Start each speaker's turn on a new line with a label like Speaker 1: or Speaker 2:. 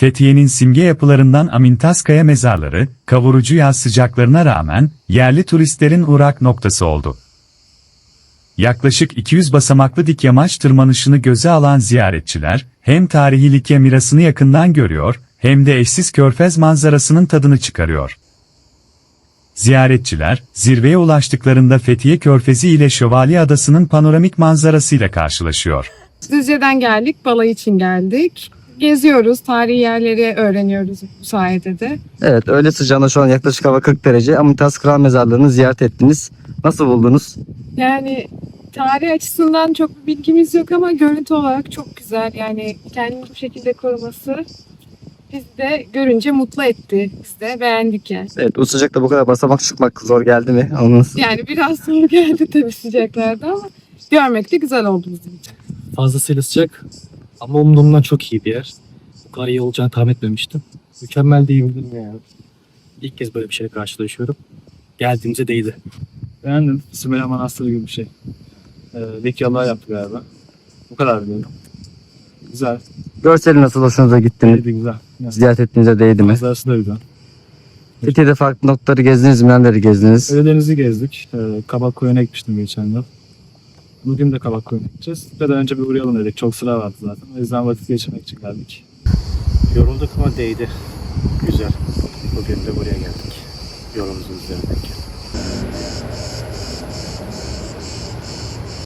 Speaker 1: Fethiye'nin simge yapılarından Amintaskaya mezarları, kavurucu yaz sıcaklarına rağmen, yerli turistlerin uğrak noktası oldu. Yaklaşık 200 basamaklı dik yamaç tırmanışını göze alan ziyaretçiler, hem tarihi Likya mirasını yakından görüyor, hem de eşsiz körfez manzarasının tadını çıkarıyor. Ziyaretçiler, zirveye ulaştıklarında Fethiye Körfezi ile Şövalye Adası'nın panoramik manzarasıyla karşılaşıyor.
Speaker 2: Düzce'den geldik, balayı için geldik. Geziyoruz, tarihi yerleri öğreniyoruz bu sayede de.
Speaker 3: Evet, öğle sıcağında şu an yaklaşık hava 40 derece. Amitas Kral Mezarlığı'nı ziyaret ettiniz. Nasıl buldunuz?
Speaker 2: Yani tarih açısından çok bir bilgimiz yok ama görüntü olarak çok güzel. Yani kendini bu şekilde koruması bizi de görünce mutlu etti. Biz de beğendik yani.
Speaker 3: Evet, bu sıcakta bu kadar basamak çıkmak zor geldi mi? Anladınız.
Speaker 2: Yani biraz zor geldi tabii sıcaklarda ama görmek de güzel oldu bizim için.
Speaker 4: Fazlasıyla sıcak ama umduğumdan çok iyi bir yer. Bu kadar iyi olacağını tahmin etmemiştim. Mükemmel diyebilirim yani. İlk kez böyle bir şeyle karşılaşıyorum. Geldiğimize değdi.
Speaker 5: Beğendim. Sümeyye Manastırı gibi bir şey. Likyalılar yaptı galiba. Bu kadar biliyorum. Güzel.
Speaker 3: Görseli nasıl, hoşunuza gitti mi?
Speaker 5: Neydi güzel. Yani,
Speaker 3: Ziyaret ettiğinize değdi mi?
Speaker 5: manzarası da güzel.
Speaker 3: Fethiye'de farklı noktaları gezdiniz mi? Nereleri gezdiniz?
Speaker 5: Ölüdeniz'i gezdik. Kabak Koyun'a gitmiştim geçen yıl. Bugün de Kabak Koyun'a gideceğiz. Bir de önce bir uğrayalım dedik. Çok sıra vardı zaten. O yüzden vakit geçirmek için geldik.
Speaker 4: Yorulduk ama değdi. Güzel. Bugün de buraya geldik. Yolumuzu izlemek.